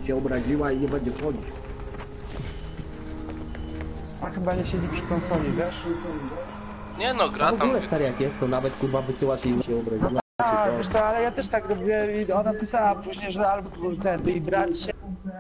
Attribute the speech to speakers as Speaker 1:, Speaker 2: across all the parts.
Speaker 1: się obraziła i nie będzie wchodzić.
Speaker 2: A chyba nie siedzi przy konsoli, wiesz?
Speaker 3: Nie no, gra
Speaker 1: W
Speaker 3: tam.
Speaker 1: ogóle stary jak jest, to nawet kurwa wysyłasz i się obraziła.
Speaker 2: A, wiesz co, ale ja też tak robię i ona pisała później, że albo ten, i brać się...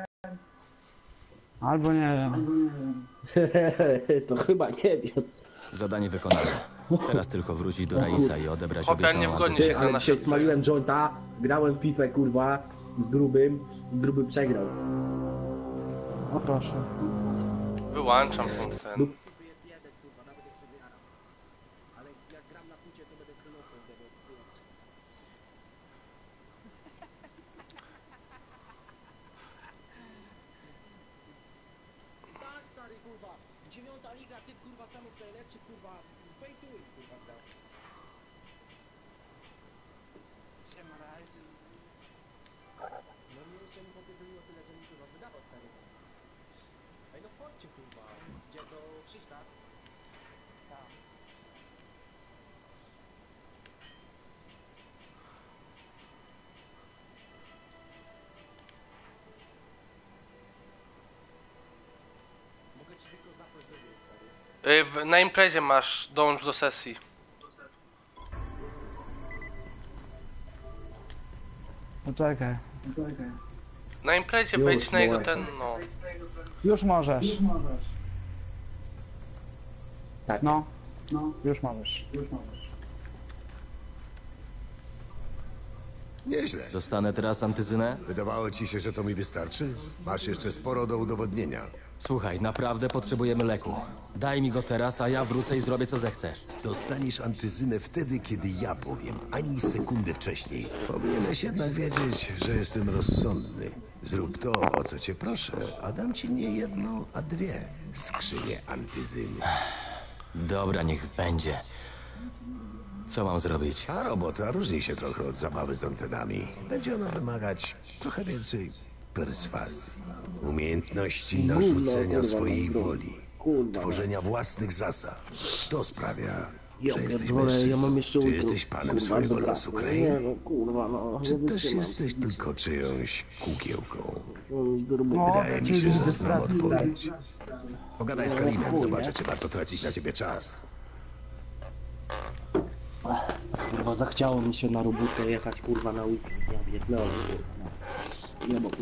Speaker 2: Albo nie wiem.
Speaker 1: To chyba nie wiem.
Speaker 4: Zadanie wykonane. Teraz tylko wrócić do Raisa i odebrać
Speaker 3: Chłopie, nie
Speaker 4: obiecaną
Speaker 3: wgoni
Speaker 4: antyzę.
Speaker 3: się.
Speaker 1: Ale
Speaker 3: na
Speaker 1: dzisiaj
Speaker 3: szybko.
Speaker 1: smaliłem jointa, grałem w FIFA kurwa z grubym, gruby przegrał.
Speaker 2: O proszę.
Speaker 3: Wyłączam ten.
Speaker 1: Ale jak gram na picie, to będę królową Tak stary kurwa, 9. liga, ty kurwa samych najlepszy kurwa, fejtuj kurwa gra. No nie jeszcze mi popierdoliło tyle, że mi kurwa wydawał stary. Ej no chodźcie kurwa, gdzie do Krzyśka? Tak. Mogę ci tylko zaprosić do gry, stary.
Speaker 3: Na imprezie masz, dołącz do sesji.
Speaker 2: No czekaj.
Speaker 3: Na imprezie
Speaker 1: Już,
Speaker 3: wejdź na jego
Speaker 1: dołączam.
Speaker 3: ten, no.
Speaker 2: Już możesz.
Speaker 1: Tak.
Speaker 2: No. Już możesz.
Speaker 5: Nieźle.
Speaker 4: Dostanę teraz antyzynę?
Speaker 5: Wydawało ci się, że to mi wystarczy? Masz jeszcze sporo do udowodnienia.
Speaker 4: Słuchaj, naprawdę potrzebujemy leku. Daj mi go teraz, a ja wrócę i zrobię co zechcesz.
Speaker 5: Dostaniesz antyzynę wtedy, kiedy ja powiem, ani sekundy wcześniej. Powinieneś jednak wiedzieć, że jestem rozsądny. Zrób to, o co cię proszę, a dam ci nie jedną, a dwie skrzynie antyzyny.
Speaker 4: Dobra, niech będzie. Co mam zrobić?
Speaker 5: A robota różni się trochę od zabawy z antenami. Będzie ona wymagać trochę więcej perswazji, umiejętności narzucenia
Speaker 1: kurwa,
Speaker 5: swojej
Speaker 1: no,
Speaker 5: woli,
Speaker 1: kurwa.
Speaker 5: tworzenia własnych zasad. To sprawia,
Speaker 1: Ja
Speaker 5: że jesteś
Speaker 1: pierdolę,
Speaker 5: mężczyzną.
Speaker 1: ja mam jeszcze
Speaker 5: Czy
Speaker 1: utro.
Speaker 5: jesteś panem
Speaker 1: Kurwa,
Speaker 5: swojego
Speaker 1: dobra.
Speaker 5: losu,
Speaker 1: Nie
Speaker 5: Crane?
Speaker 1: no kurwa no.
Speaker 5: Czy
Speaker 1: nie
Speaker 5: też
Speaker 1: wytrzymam.
Speaker 5: jesteś tylko czyjąś kukiełką?
Speaker 2: No,
Speaker 5: Wydaje mi się, że znam
Speaker 2: pracy,
Speaker 5: odpowiedź. Pogadaj z Karimem, zobaczę, czy warto tracić na ciebie czas.
Speaker 1: Kurwa zachciało mi się na robotę jechać kurwa na weekend. Ja pierdolę kurwa. Nie bo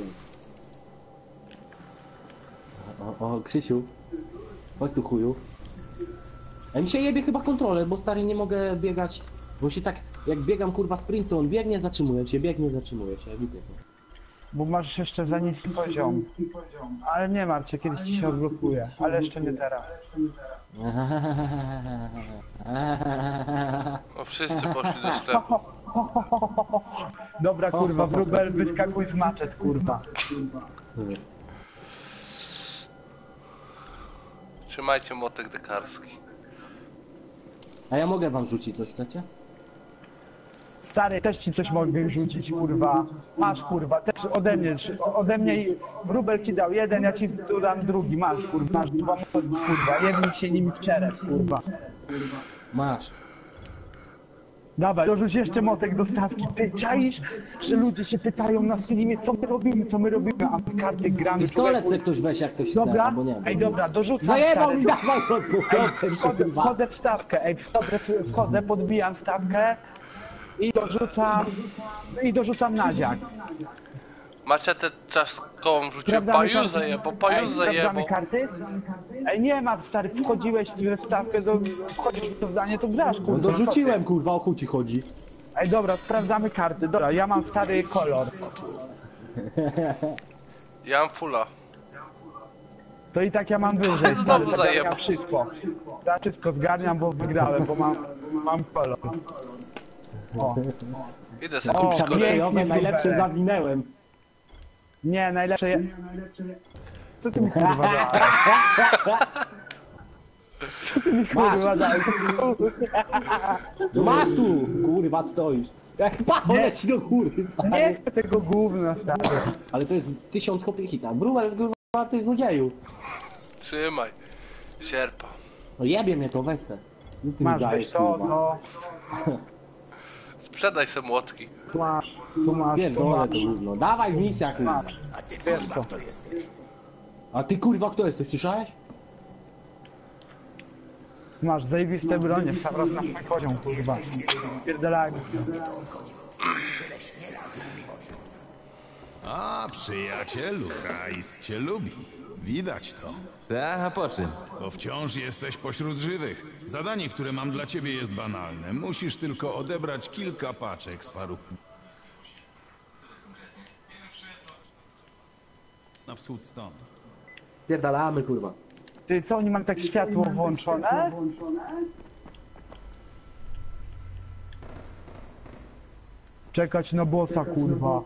Speaker 1: o Krzysiu. Chodź tu chuju. A mi się jebie chyba kontroler, bo stary nie mogę biegać. Bo się tak, jak biegam kurwa sprint, to on biegnie, zatrzymuje się, ja widzę to.
Speaker 2: Bo masz jeszcze za niski poziom. Ale nie martw się, kiedyś ci się odblokuje. Ale jeszcze nie teraz.
Speaker 3: No wszyscy poszli do sklepu.
Speaker 2: Dobra kurwa, wróbel, wyskakuj z maczet kurwa.
Speaker 3: Trzymajcie młotek dekarski.
Speaker 2: No
Speaker 1: A ja mogę wam rzucić coś, chcecie?
Speaker 2: Stary, też ci coś mogę rzucić kurwa. Masz kurwa, też ode mnie i wróbel ci dał jeden, ja ci tu dam drugi. Masz kurwa, masz dwa młotki kurwa. Jedni się nimi w czerep kurwa.
Speaker 1: Masz.
Speaker 2: Dawaj, dorzuć jeszcze motek do stawki. Ty czaisz, że ludzie się pytają na streamie, co my robimy, a my karty gramy.
Speaker 1: Pistolet se ktoś weź jak ktoś chce,
Speaker 2: Dobra,
Speaker 1: albo nie.
Speaker 2: ej dobra, dorzucam
Speaker 1: Zajebał
Speaker 2: stary,
Speaker 1: mi, dawaj rozgłośnię,
Speaker 2: wchodzę w stawkę, wchodzę, podbijam stawkę i dorzucam nadziak.
Speaker 3: Maczetę czaszkową rzucił,
Speaker 2: Sprawdzamy
Speaker 3: paju
Speaker 2: karty?
Speaker 3: zajebał, paju
Speaker 2: Sprawdzamy
Speaker 3: zajebał.
Speaker 2: karty? Ej, nie ma, stary, wchodziłeś w stawkę, wchodzisz w to zdanie, to grasz,
Speaker 1: No
Speaker 2: kurwa.
Speaker 1: dorzuciłem kurwa, o chuj ci chodzi.
Speaker 2: Ej, dobra, sprawdzamy karty, dobra, ja mam stary kolor.
Speaker 3: Ja mam fulla.
Speaker 2: To i tak ja mam wyżej,
Speaker 3: Znowu
Speaker 2: stary, zgarniam
Speaker 3: zajebał.
Speaker 2: wszystko. Ja wszystko zgarniam, bo wygrałem, bo mam kolor. O,
Speaker 3: Idę sobie
Speaker 2: O,
Speaker 3: kupić
Speaker 2: tam
Speaker 3: kolejny.
Speaker 2: jest.
Speaker 1: Najlepsze zawinęłem.
Speaker 2: nie, najlepsze je... Co ty mi kurwa dałeś? Co ty mi kurwa dałeś?
Speaker 1: Masz tu, kurwa stoisz. Jak pacho leci do góry, stary.
Speaker 2: Nie chcę tego gówna, stary.
Speaker 1: Ale to jest 1000 kopii hita. Brumel, kurwa, ty złodzieju.
Speaker 3: Trzymaj. Sierpa.
Speaker 1: No jebie mnie to, weź se. Nic ty mi
Speaker 2: Masz,
Speaker 1: dajesz,
Speaker 2: weź to,
Speaker 1: kurwa.
Speaker 2: to...
Speaker 3: Sprzedaj se młotki.
Speaker 2: Masz. Tu masz, tu
Speaker 1: Pierdolę
Speaker 2: masz.
Speaker 1: to gówno. Dawaj w misja, kurwa.
Speaker 2: Wiesz co?
Speaker 1: A ty kurwa kto jesteś, słyszałeś?
Speaker 2: Masz zajebiste bronie, w sam raz na swój poziom, kurwa. Pierdolaj.
Speaker 6: A, przyjacielu, Rais cię lubi. Widać to.
Speaker 4: Tak, a po czym?
Speaker 6: Bo wciąż jesteś pośród żywych. Zadanie, które mam dla ciebie jest banalne. Musisz tylko odebrać kilka paczek z paru... Na wschód stąd.
Speaker 1: Pierdalamy, kurwa.
Speaker 2: Ty co, oni mają tak światło włączone? Czekać na bossa, kurwa.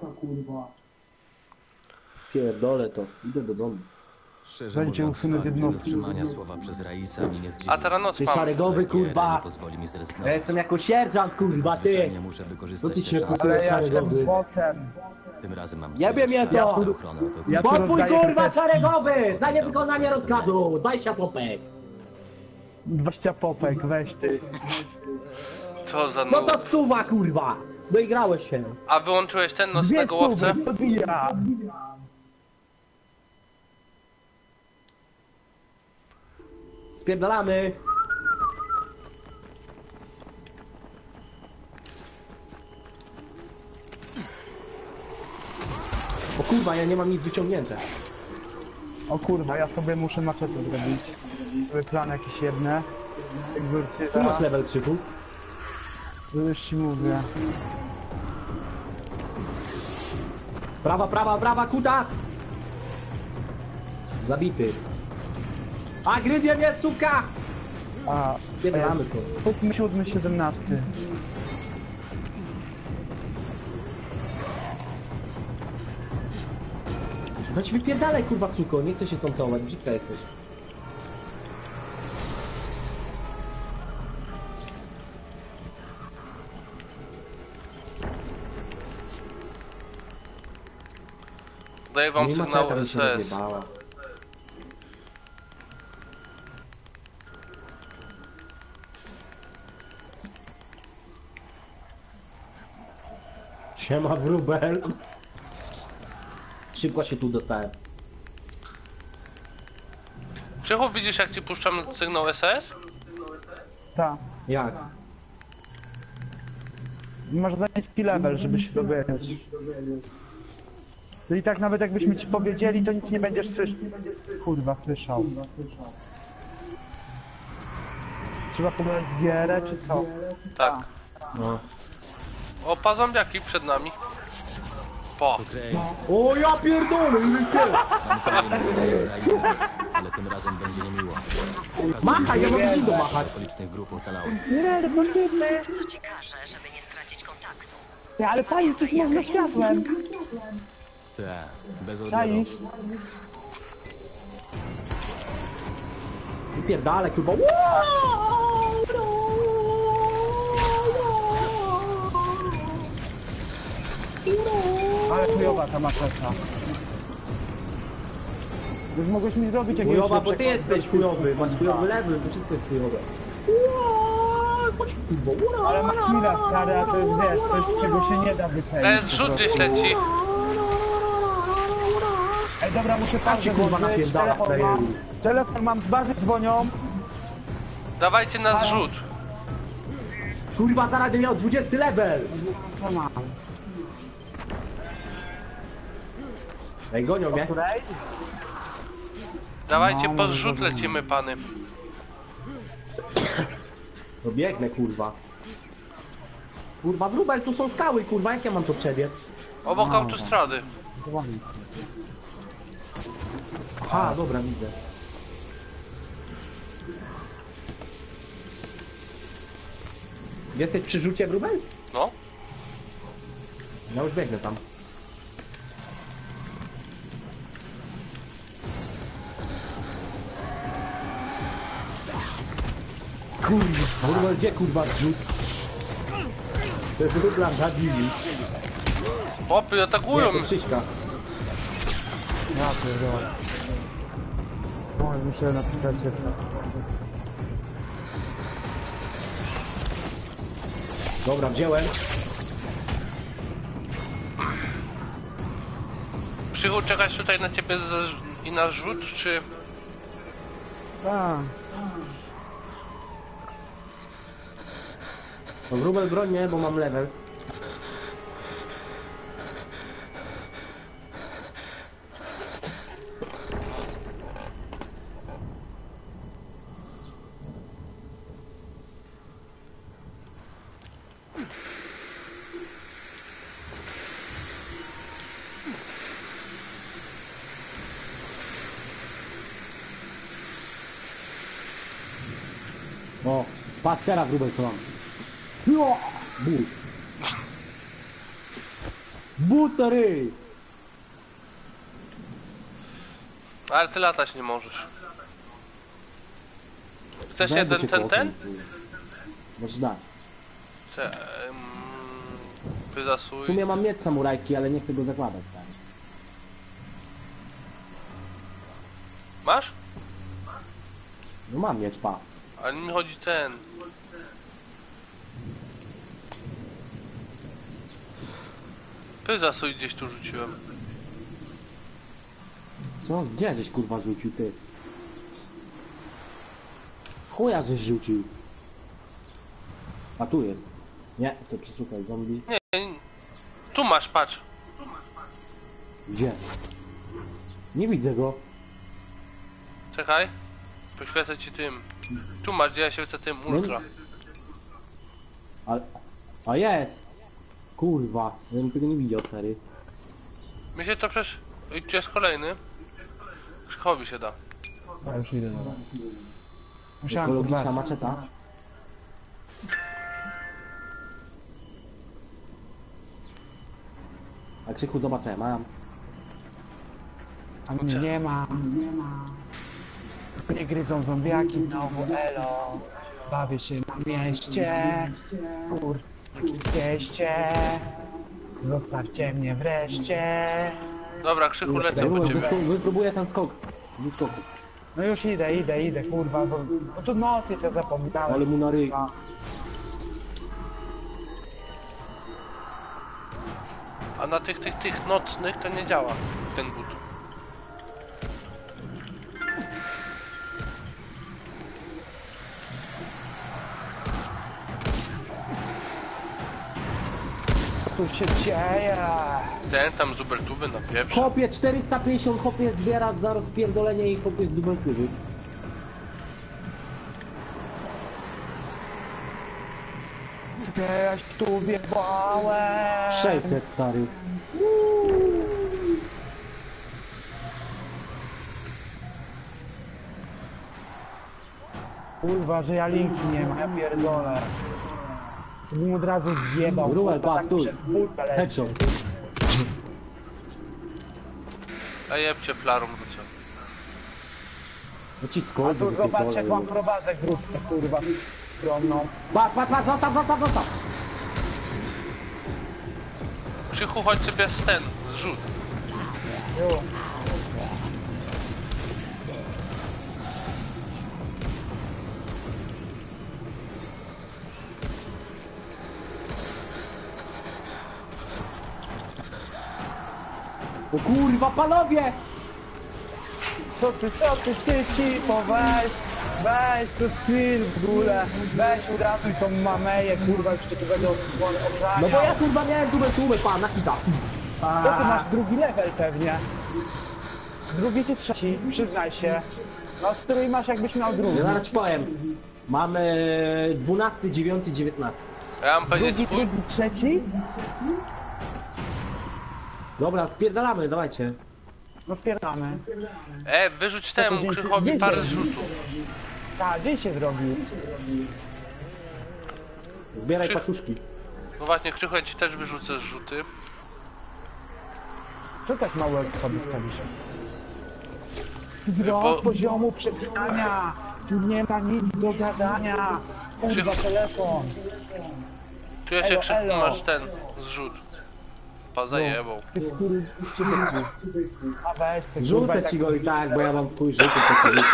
Speaker 1: Pierdolę to. Idę do domu.
Speaker 4: Szczerze
Speaker 2: Będzie
Speaker 4: mówiąc,
Speaker 2: usunąć
Speaker 4: fakt
Speaker 2: jednostki.
Speaker 4: niedotrzymania słowa przez Raisa mi nie zdziwi.
Speaker 3: A teraz noc
Speaker 1: Ty
Speaker 3: mam.
Speaker 1: szeregowy,
Speaker 4: Giera
Speaker 1: kurwa.
Speaker 4: nie pozwoli mi
Speaker 1: Ja
Speaker 4: zrezygnować.
Speaker 1: jestem jako sierżant, kurwa, ty.
Speaker 4: Zwyczajnie muszę
Speaker 1: No
Speaker 4: wykorzystać
Speaker 1: ty
Speaker 4: tę
Speaker 1: się
Speaker 4: szansę.
Speaker 2: Ale ja
Speaker 1: szeregowy.
Speaker 2: jestem bossem.
Speaker 4: Tym razem mam
Speaker 1: Jebie mnie to!
Speaker 4: za ochronę. To
Speaker 2: Ja tu
Speaker 1: Pokój,
Speaker 2: rozdaję
Speaker 1: kurwa,
Speaker 2: te
Speaker 1: szeregowy! Za niewykonanie rozkazu! 20 popek!
Speaker 2: 20 popek, weź ty.
Speaker 3: Co za
Speaker 1: No
Speaker 3: nóż.
Speaker 1: to stuwa, kurwa! Doigrałeś się.
Speaker 3: A wyłączyłeś ten
Speaker 2: Dwie
Speaker 3: nocnego łowcę?
Speaker 2: stówy, podbija.
Speaker 1: Spierdalamy! O kurwa, ja nie mam nic wyciągnięte.
Speaker 2: O kurwa, ja sobie muszę maczetę zrobić. Sobie plan jakieś jedne.
Speaker 1: Tu masz
Speaker 2: Egzorcyza.
Speaker 1: level krzyku.
Speaker 2: To już ci mówię.
Speaker 1: Prawa, kutas! Zabity. A, gryzie mnie, suka!
Speaker 2: A,
Speaker 1: Spierdalamy to.
Speaker 2: 7, 17.
Speaker 1: No ci wypierdalaj, kurwa, suko, nie chcę się stąd całować, brzydka jesteś.
Speaker 3: Daję wam
Speaker 1: Nie ma
Speaker 3: sygnał
Speaker 1: czeka, mi się
Speaker 3: SOS.
Speaker 1: rozjebała. Siema, wróbel. Szybko się tu dostałem.
Speaker 3: Krzychu, widzisz jak ci puszczam sygnał SOS?
Speaker 2: Tak.
Speaker 1: Jak?
Speaker 2: Masz za niski level, żeby się dowiedzieć. No i tak nawet jakbyśmy ci powiedzieli, to nic nie będziesz kurwa słyszał. Trzeba pobrać gierę, czy co?
Speaker 3: Tak.
Speaker 1: No.
Speaker 3: Opa, zombiaki przed nami. Po.
Speaker 4: Okej,
Speaker 1: O, ja pierdolę,
Speaker 4: mam kolejny wydaje Raisa, ale tym razem będzie niemiło.
Speaker 1: Machaj, ja mogę dzido machać.
Speaker 4: Okolicznych grup ocalałych.
Speaker 2: Nie, to możliwe.
Speaker 7: Co ci każe, żeby nie stracić kontaktu?
Speaker 2: Nie, ale pani, coś można światłem.
Speaker 4: Tak, bez odbioru.
Speaker 2: Czaisz?
Speaker 1: Wypierdalaj, kurwa.
Speaker 2: Ale chujowa ta maczeta. Już mogłeś mi zrobić jakiegoś
Speaker 1: Chujowa, bo ty
Speaker 2: lepszego-
Speaker 1: jesteś chujowy, masz chujowy level, to wszystko jest chujowe. Chodź, kurwa,
Speaker 2: Ale masz mila stary, a to jest wiesz, coś czego się nie da wycenić.
Speaker 3: Zrzut gdzieś leci.
Speaker 2: Ej, dobra, muszę
Speaker 1: Tak się,
Speaker 2: patrzeć,
Speaker 1: kurwa, napierdala, frajeru.
Speaker 2: Telefon mam, z bazy dzwonią.
Speaker 3: Dawajcie na zrzut.
Speaker 1: Kurwa, zaraz będę miał 20 level!
Speaker 2: Co mam?
Speaker 1: Ej, gonią mnie.
Speaker 2: Której?
Speaker 3: Dawajcie po zrzut lecimy, pany.
Speaker 1: No biegnę, kurwa. Kurwa, wróbel, tu są skały, kurwa, jak ja mam to przebiec?
Speaker 3: Obok autostrady.
Speaker 2: Dzwoni.
Speaker 1: A, dobra, widzę. Jesteś przy rzucie, wróbel?
Speaker 3: No.
Speaker 1: Ja już biegnę tam. Kurwa, wróbel, gdzie kurwa zrzut? To jest wróbla, zabili.
Speaker 3: Chłopy atakują
Speaker 1: Nie, to
Speaker 3: mnie.
Speaker 1: Krzyśka.
Speaker 2: Ja pierdolę. Oj, muszę napisać jeszcze.
Speaker 1: Dobra, wziąłem.
Speaker 3: Krzychu, czekać tutaj na ciebie i na zrzut, czy...
Speaker 2: Tak.
Speaker 1: No wróbel broń nie, bo mam level. O, patrz teraz wróbel co mam. No, but. Butery!
Speaker 3: Ale ty latać nie możesz. Chcesz
Speaker 1: Zęby
Speaker 3: jeden
Speaker 1: cię
Speaker 3: ten?
Speaker 1: kołczą. Możesz dać. W
Speaker 3: Wyzasuj.
Speaker 1: sumie mam miecz samurajski, ale nie chcę go zakładać, tak.
Speaker 3: Masz?
Speaker 1: No mam miecz, pa.
Speaker 3: Ale mi chodzi ten. Wyzasuj gdzieś tu rzuciłem.
Speaker 1: Co? Gdzie żeś kurwa rzucił, ty? Chuja żeś rzucił. A tu jest. Nie, to przeszukaj zombie.
Speaker 3: Nie, tu masz, patrz.
Speaker 1: Gdzie? Nie widzę go.
Speaker 3: Czekaj. Poświecę ci tym. Tu masz, gdzie ja świecę tym ultra.
Speaker 1: A jest! Kurwa, ja bym tego nie widział, stary.
Speaker 3: Mi się to przecież... I tu jest kolejny. Krzychowi się da.
Speaker 2: Ja już idę, dobra. Musiałem
Speaker 1: Ekologiczna
Speaker 2: kurwa.
Speaker 1: maczeta. A Krzychu, zobacz, co ja mam.
Speaker 2: A mnie nie ma. Nie gryzą zombiaki znowu, elo. Bawię się na mieście. Kurwa, jakie cieście. Zostawcie mnie wreszcie.
Speaker 3: Dobra, Krzychu, lecę po ciebie.
Speaker 1: Wypróbuję ten skok. Z skoku.
Speaker 2: No już idę, kurwa, bo tu noc jeszcze zapomniałem.
Speaker 1: Ale mu na ryj.
Speaker 3: A na tych nocnych to nie działa ten but.
Speaker 2: Co tu się dzieje?
Speaker 3: Ten tam z Ubertuby na pieprz.
Speaker 1: Chłopie 450, chłopie zbiera za rozpierdolenie i chłopie z dubeltywy.
Speaker 2: Gdzieś tu wjebałem.
Speaker 1: 600, stary.
Speaker 2: Kurwa, że ja linki nie mam, ja pierdolę. To bym od razu zjebał.
Speaker 1: Ruel,
Speaker 2: kurwa,
Speaker 1: pas,
Speaker 2: tak
Speaker 1: tu.
Speaker 2: przed bójkę leci.
Speaker 1: Headshot.
Speaker 3: A jebcie flarą rzucę.
Speaker 1: No ci
Speaker 2: A
Speaker 1: skok,
Speaker 2: tu zobacz jak mam prowadzę grupkę, kurwa, skromną.
Speaker 1: Patrz, zostaw!
Speaker 3: Krzychu, chodź sobie z ten, zrzut.
Speaker 2: Jo.
Speaker 1: O kurwa, panowie!
Speaker 2: Co ty, cipo, weź, to skill w ogóle, weź uratuj tą mameję, kurwa, już cię tu będę ochraniał.
Speaker 1: No bo ja kurwa miałem dubeltówę, pan, na kita.
Speaker 2: To ty masz drugi level pewnie. Drugi czy trzeci, przyznaj się. No strój masz jakbyś miał drugi.
Speaker 1: Ja zaraz ci powiem. Mamy 12, 9, 19.
Speaker 3: Ja mam powiedzieć
Speaker 2: Drugi,
Speaker 3: swój?
Speaker 2: trzeci?
Speaker 1: Dobra, spierdalamy, dawajcie.
Speaker 2: No spierdamy.
Speaker 3: Wyrzuć temu
Speaker 2: dzięki-
Speaker 3: Krzychowi
Speaker 2: dzięki.
Speaker 3: parę zrzutów.
Speaker 2: Tak, gdzie się zrobił?
Speaker 1: Zbieraj
Speaker 3: Krzyk.
Speaker 1: paczuszki.
Speaker 3: No właśnie, Krzychu, ja ci też wyrzucę zrzuty.
Speaker 2: Co tak mało sobie stawisz?
Speaker 3: Bo-
Speaker 2: Do poziomu przetrwania. Tu nie ma nic do gadania. Kurwa,
Speaker 3: Krzychu.
Speaker 2: telefon.
Speaker 3: Tu ja cię,
Speaker 2: Elo,
Speaker 3: Krzychu,
Speaker 2: elo.
Speaker 3: masz ten zrzut. Pa zajebał.
Speaker 2: Ty kurwa, a weź ty, kurwa,
Speaker 1: Rzucę
Speaker 2: tak-
Speaker 1: ci go i tak, bo ja mam twój życie, to życie.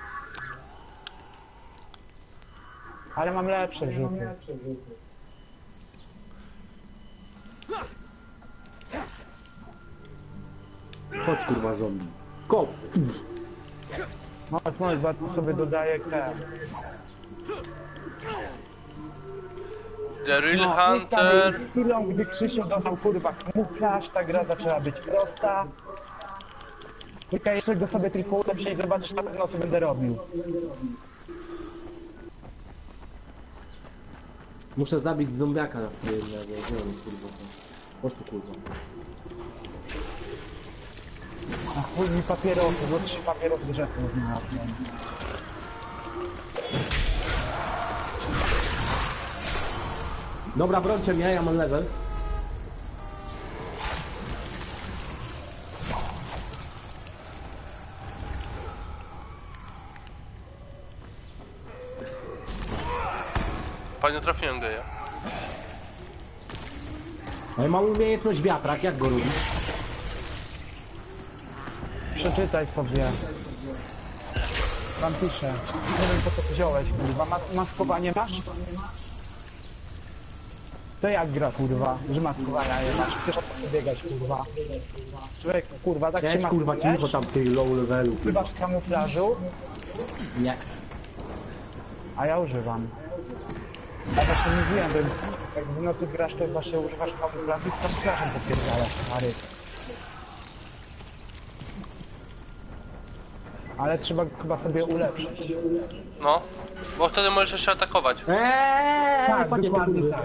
Speaker 2: Ale mam lepsze rzuty.
Speaker 1: Chodź kurwa zombie. Kop!
Speaker 2: Może bardzo sobie dodaję te.
Speaker 3: The Real
Speaker 2: No,
Speaker 3: Hunter.
Speaker 2: z chwilą, gdy Krzysiu dodał kurwa kamuflaż, ta gra zaczęła być prosta. Tylko jeszcze go sobie tylko ulepszę i zobaczysz na pewno co będę robił.
Speaker 1: Muszę zabić zombiaka na jednego. Gdzie on jest, kurwa? Chodź tu kurwa.
Speaker 2: A chuj mi papierosy, bo 3 papierosy rzeczy znalazłem.
Speaker 1: Dobra, brońcie mnie, ja mam level.
Speaker 3: Panie, trafiłem geja.
Speaker 1: Ale mam umiejętność wiatrak, jak go robić?
Speaker 2: Przeczytaj sobie. Tam piszę. Nie wiem po co to wziąłeś, kurwa. Maskowanie masz? To jak gra, kurwa? Że maskowania nie masz? Chcesz o to biegać, kurwa. Człowiek, kurwa, tak się
Speaker 1: Cześć kurwa,
Speaker 2: maskujesz?
Speaker 1: cicho tam w tej low levelu.
Speaker 2: Używasz kamuflażu?
Speaker 1: Nie.
Speaker 2: A ja używam. Ja właśnie mówiłem, że jak w nocy grasz, to właśnie używasz kamuflażu i z kamuflażem popierdalasz, stary. Ale trzeba chyba sobie ulepszyć.
Speaker 3: No. Bo wtedy możesz jeszcze atakować.
Speaker 2: Tak,
Speaker 1: panie,
Speaker 2: dokładnie
Speaker 1: tak.
Speaker 2: tak.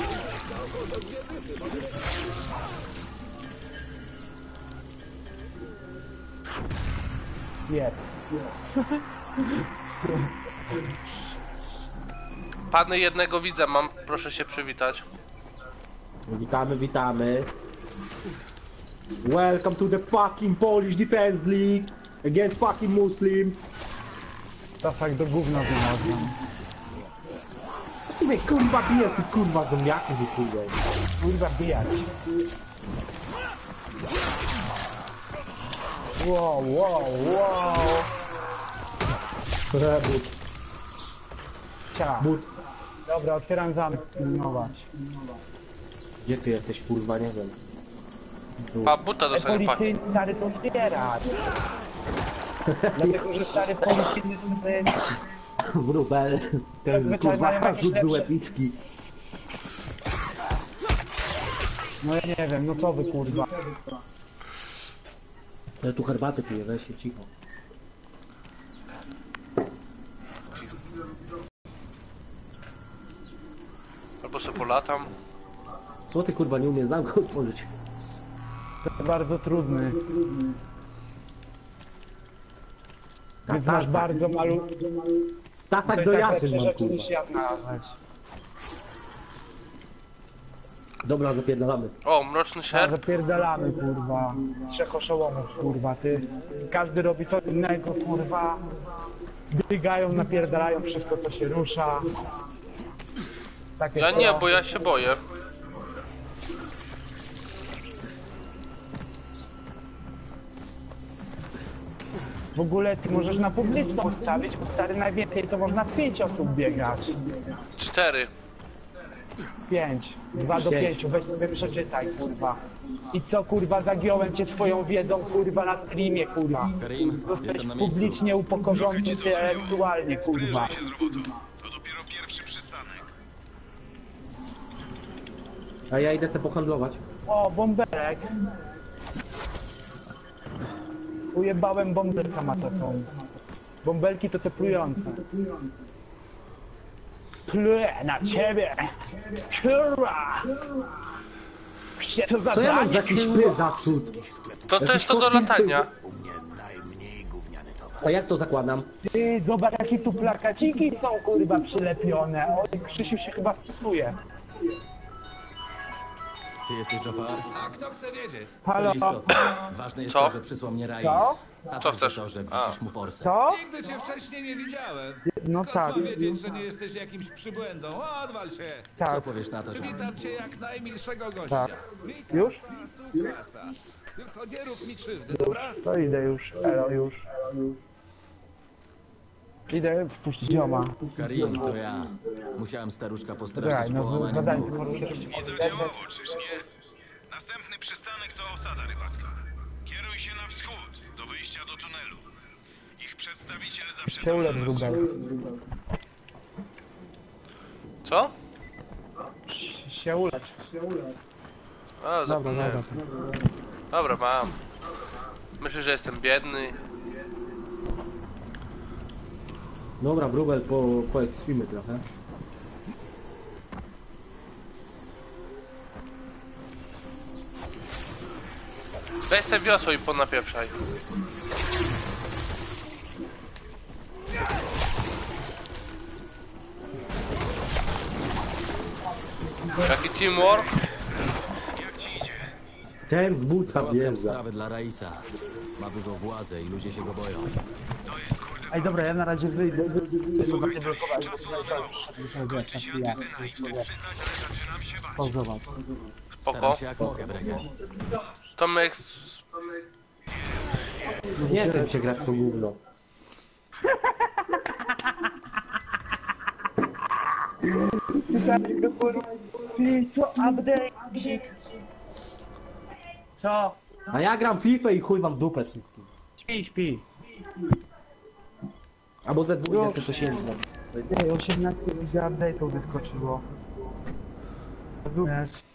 Speaker 2: Jest.
Speaker 3: Pany jednego widza mam, proszę się przywitać.
Speaker 1: Witamy, witamy. Welcome to the fucking Polish Defense League against fucking Muslim.
Speaker 2: To tak do gówna znalazłem.
Speaker 1: Ty mnie kurwa bijesz, ty kurwa zombiaku wykurwaj.
Speaker 2: Kurwa bijać. Wow, wow, wow.
Speaker 1: Rebut.
Speaker 2: Cia.
Speaker 1: But.
Speaker 2: Dobra, otwieram zamek, pilnować.
Speaker 1: Gdzie ty jesteś kurwa, nie wiem. Tu.
Speaker 3: A buta dostanie pan.
Speaker 2: Policyjny stary to otwierać. Dlatego, że stary policyjny to jest...
Speaker 1: Wróbel. Ten
Speaker 2: Zwyczaj
Speaker 1: kurwa
Speaker 2: mają jakieś
Speaker 1: rzut
Speaker 2: lepsze-
Speaker 1: był epicki.
Speaker 2: No ja nie wiem, no co wy kurwa.
Speaker 1: Ja tu herbaty piję, weź się cicho.
Speaker 3: Albo sobie polatam.
Speaker 1: Co ty kurwa nie umiesz zamku otworzyć?
Speaker 2: To jest bardzo trudny. Więc masz bardzo malu...
Speaker 1: Tasak do jaszy
Speaker 2: lepsze
Speaker 1: mam
Speaker 2: rzeczy
Speaker 1: kurwa.
Speaker 2: niż ja znalazłeś.
Speaker 1: Dobra, zapierdalamy.
Speaker 3: O, mroczny
Speaker 2: A
Speaker 3: sierp.
Speaker 2: zapierdalamy kurwa. 3 oszołomów kurwa, ty. Każdy robi co innego kurwa. Biegają, napierdalają wszystko co się rusza. Takie
Speaker 3: Ja nie,
Speaker 2: to.
Speaker 3: bo ja się boję.
Speaker 2: W ogóle ty możesz na publiczną ustawić, bo stary najwięcej to można 5 osób biegać.
Speaker 3: 4.
Speaker 2: 5. 2 do 5. Weź sobie przeczytaj kurwa. I co kurwa, zagiąłem cię swoją wiedzą kurwa na streamie kurwa.
Speaker 4: Karim,
Speaker 2: Zostałeś
Speaker 4: jestem na miejscu.
Speaker 2: publicznie upokorzony intelektualnie kurwa.
Speaker 6: To dopiero pierwszy przystanek.
Speaker 1: A ja idę sobie pohandlować.
Speaker 2: O, bąbelek. Ujebałem bąbelka matocą. Bąbelki to te plujące. Pluję na ciebie! Kurwa! Gdzie to
Speaker 1: Co ja mam za
Speaker 2: zadanie,
Speaker 1: jakiś
Speaker 2: kurwa?
Speaker 1: pys zawód?
Speaker 3: To też to do latania.
Speaker 5: U mnie najmniej gówniany towar.
Speaker 1: A jak to zakładam?
Speaker 2: Ty, zobacz jakie tu plakaciki są kurwa przylepione. Oj, Krzysiu się chyba wpisuje.
Speaker 4: Ty jesteś Jafar?
Speaker 6: A kto chce wiedzieć?
Speaker 4: To
Speaker 2: Halo?
Speaker 4: istotne. Ważne jest
Speaker 3: Co?
Speaker 4: to, że przysłał mnie Raiz.
Speaker 2: Co?
Speaker 4: A
Speaker 3: Co
Speaker 4: także
Speaker 3: chcesz?
Speaker 4: to, że
Speaker 3: A.
Speaker 4: widzisz mu forsę.
Speaker 2: Co?
Speaker 6: Nigdy cię wcześniej nie widziałem.
Speaker 2: No
Speaker 6: Skąd
Speaker 2: tak.
Speaker 6: mam wiedzieć, że nie jesteś jakimś przybłędą? Odwal się!
Speaker 4: Co
Speaker 2: Tak.
Speaker 4: powiesz na to, że...
Speaker 6: Witam cię jak najmilszego gościa.
Speaker 2: Tak.
Speaker 6: Witam,
Speaker 2: Już?
Speaker 6: klasa. Tylko nie rób mi krzywdy, dobra?
Speaker 2: To idę już. Elo, już. Idę wpuścić zioma.
Speaker 4: Karim, to ja. Musiałem staruszka
Speaker 2: Czekaj,
Speaker 4: postraszyć
Speaker 2: no
Speaker 4: połamaniem
Speaker 2: zadanie
Speaker 4: nóg.
Speaker 2: poruszyć.
Speaker 6: Nie zadziałało, czyż nie? Następny przystanek to osada rybacka. Kieruj się na do tunelu. Ich przedstawiciel zawsze
Speaker 2: Się ulecz wróbel.
Speaker 3: Co?
Speaker 2: Się ulecz.
Speaker 3: A,
Speaker 2: Dobra,
Speaker 3: zapomniałem.
Speaker 2: dobra.
Speaker 3: Dobra, mam. Myślę, że jestem biedny.
Speaker 1: Dobra, wróbel, poekspimy trochę.
Speaker 3: Weź sobie wiosło i ponapieprzaj. Jaki teamwork?
Speaker 1: Ten z buca
Speaker 4: Załatwiam
Speaker 1: wjeżdża.
Speaker 4: sprawę dla Raisa. Ma dużą władzę i ludzie się go boją.
Speaker 2: Ej, dobra, ja na razie wyjdę. Pauzować.
Speaker 3: Spoko.
Speaker 4: Staram się jak mogę, Brecken.
Speaker 3: Tomek...
Speaker 1: Nie wiem się grać w to gówno.
Speaker 2: Ty, co update? Co?
Speaker 1: A ja gram w FIFA i chuj wam w dupę wszystkim.
Speaker 2: Śpi, śpi.
Speaker 1: Albo ze dwóch to się nie
Speaker 2: Ej, 18 update'ów wyskoczyło. Rozumiesz?